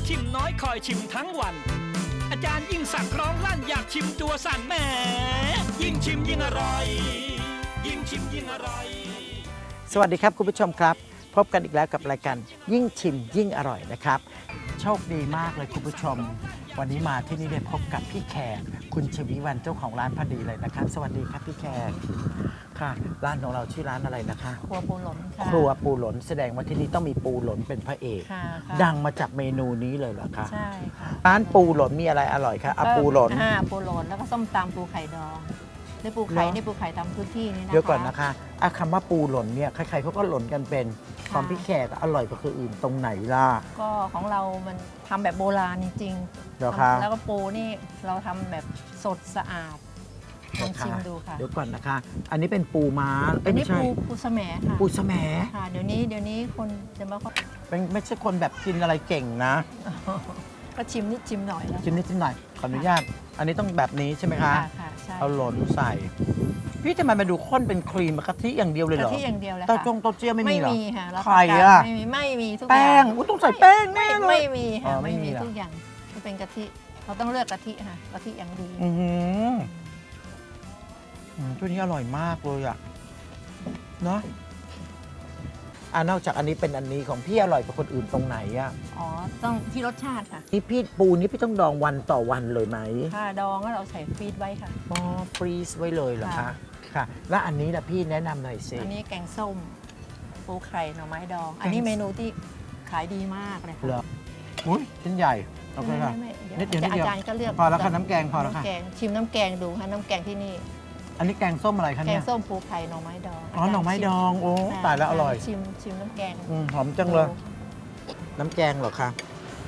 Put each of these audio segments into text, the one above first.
ชิมน้อยคอยชิมทั้งวันอาจารย์ยิ่งสั่งร้องลั่นอยากชิมตัวสั่นแหมยิ่งชิมยิ่งอร่อยยิ่งชิมยิ่งอร่อยสวัสดีครับคุณผู้ชมครับพบกันอีกแล้วกับรายการยิ่งชิมยิ่งอร่อยนะครับโชคดีมากเลยคุณผู้ชมวันนี้มาที่นี่ได้พบกับพี่แขกคุณชวีวรรณเจ้าของร้านพอดีเลยนะครับสวัสดีครับพี่แขกค่ะร้านของเราชื่อร้านอะไรนะคะครัวปูหลนค่ะครัวปูหลนแสดงว่าที่นี่ต้องมีปูหลนเป็นพระเอกดังมาจากเมนูนี้เลยเหรอคะใช่ค่ะร้านปูหลนมีอะไรอร่อยคะปูหลนปูหลนแล้วก็ส้มตำปูไข่ดองนี่ปูไข่นี่ปูไข่ตามพื้นที่นี่นะคะเดี๋ยวก่อนนะคะคำว่าปูหล่นเนี่ยใครๆเขาก็หล่นกันเป็นความพี่แขกอร่อยกว่าคืออื่นตรงไหนล่ะก็ของเรามันทำแบบโบราณจริงๆแล้วก็ปูนี่เราทำแบบสดสะอาดลองชิมดูค่ะเดี๋ยวก่อนนะคะอันนี้เป็นปูม้าอันนี้ปูแสมค่ะปูแสมค่ะเดี๋ยวนี้คนจะมาเป็นไม่ใช่คนแบบกินอะไรเก่งนะก็ชิมนิดชิมหน่อยแล้วชิมนิดชิมหน่อยขออนุญาตอันนี้ต้องแบบนี้ใช่ไหมคะค่ะใช่เอาหล่นใส่พี่ทำไมมาดูข้นเป็นครีมกะทิอย่างเดียวเลยเหรอกะทิอย่างเดียวเลยค่ะเต้าเจี้ยวไม่มีหรอไม่มีค่ะไข่อะไม่มีทุกอย่างแป้งต้องใส่แป้งแน่เลยไม่มีค่ะไม่มีทุกอย่างมันเป็นกะทิเราต้องเลือกกะทิค่ะกะทิอย่างดีตัวนี้อร่อยมากเลยอะเนาะนอกจากอันนี้เป็นอันนี้ของพี่อร่อยกว่าคนอื่นตรงไหนอะอ๋อต้องที่รสชาติค่ะนี่พี่ปูนี่พี่ต้องดองวันต่อวันเลยไหมค่ะดองแล้วเราใส่ฟรีซไว้ค่ะฟรีซไว้เลยเหรอคะค่ะแล้วอันนี้ล่ะพี่แนะนำหน่อยสิอันนี้แกงส้มปูไข่หน่อไม้ดองอันนี้เมนูที่ขายดีมากเลยค่ะเหรออุ้ยชิ้นใหญ่โอเคค่ะนิดเดียวอาจารย์ก็เลือกพอแล้วค่ะน้ำแกงพอแล้วค่ะชิมน้ำแกงดูค่ะน้ำแกงที่นี่อันนี้แกงส้มอะไรคะเนี่ยแกงส้มปูไข่หน่อไม้ดองหน่อไม้ดองโอ้ตายแล้วอร่อยชิมน้ำแกงหอมจังเลยน้ำแกงเหรอคะ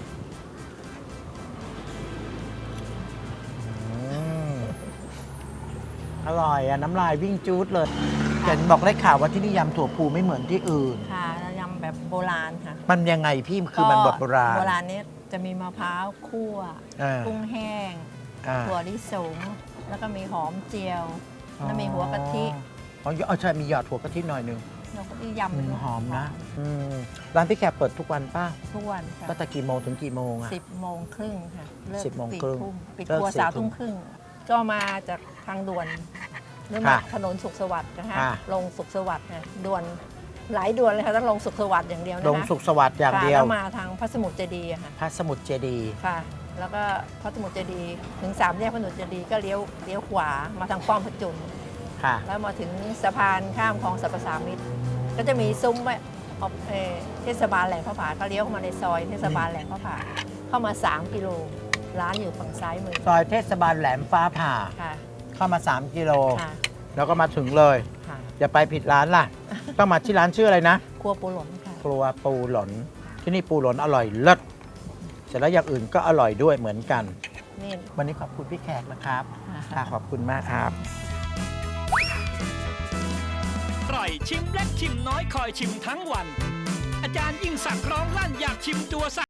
อร่อยน้ำลายวิ่งจู๊ดเลยเห็นบอกได้ข่าวว่าที่นี่ยำถั่วพูไม่เหมือนที่อื่นค่ะยำแบบโบราณค่ะมันยังไงพี่คือมันแบบโบราณนี้จะมีมะพร้าวคั่วกุ้งแห้งถั่วลิสงแล้วก็มีหอมเจียวแล้วมีหัวกะทิใช่มีหยอดหัวกะทิหน่อยนึงเราก็ยำหอมนะร้านพี่แขกเปิดทุกวันป่ะทุกวันค่ะตั้งแต่กี่โมงถึงกี่โมงอะ 10:30ค่ะเลิก 10:30 ปิดครัว3:30ก็มาจากทางด่วนหรือมาถนนสุขสวัสดิ์นะคะลงสุขสวัสดิ์นะด่วนหลายด่วนเลยค่ะต้องลงสุขสวัสดิ์อย่างเดียวนะคะลงสุขสวัสดิ์อย่างเดียวแล้วมาทางพระสมุทรเจดีย์ค่ะพระสมุทรเจดีย์ค่ะแล้วก็พระสมุทรเจดีย์ถึง3 แยกพระสมุทรเจดีย์ก็เลี้ยวขวามาทางป้อมพระจุลแล้วมาถึงสะพานข้ามคลองสรรพสามิตก็จะมีซุ้มไว้เทศบาลแหลมพระผาก็เลี้ยวเข้ามาในซอยเทศบาลแหลมพระผาเข้ามา3 กิโลร้านอยู่ฝั่งซ้ายมือซอยเทศบาลแหลมฟ้าผ่าเข้ามา3 กิโลแล้วก็มาถึงเลยอย่าไปผิดร้านล่ะต้องมาที่ร้านชื่ออะไรนะครัวปูหลนค่ะครัวปูหลนที่นี่ปูหลนอร่อยเลิศเสร็จแล้วอย่างอื่นก็อร่อยด้วยเหมือนกันวันนี้ขอบคุณพี่แขกนะครับขอบคุณมากครับอร่อยชิมเล็กชิมน้อยคอยชิมทั้งวันอาจารย์ยิ่งสั่งร้องลั่นอยากชิมตัวสั่น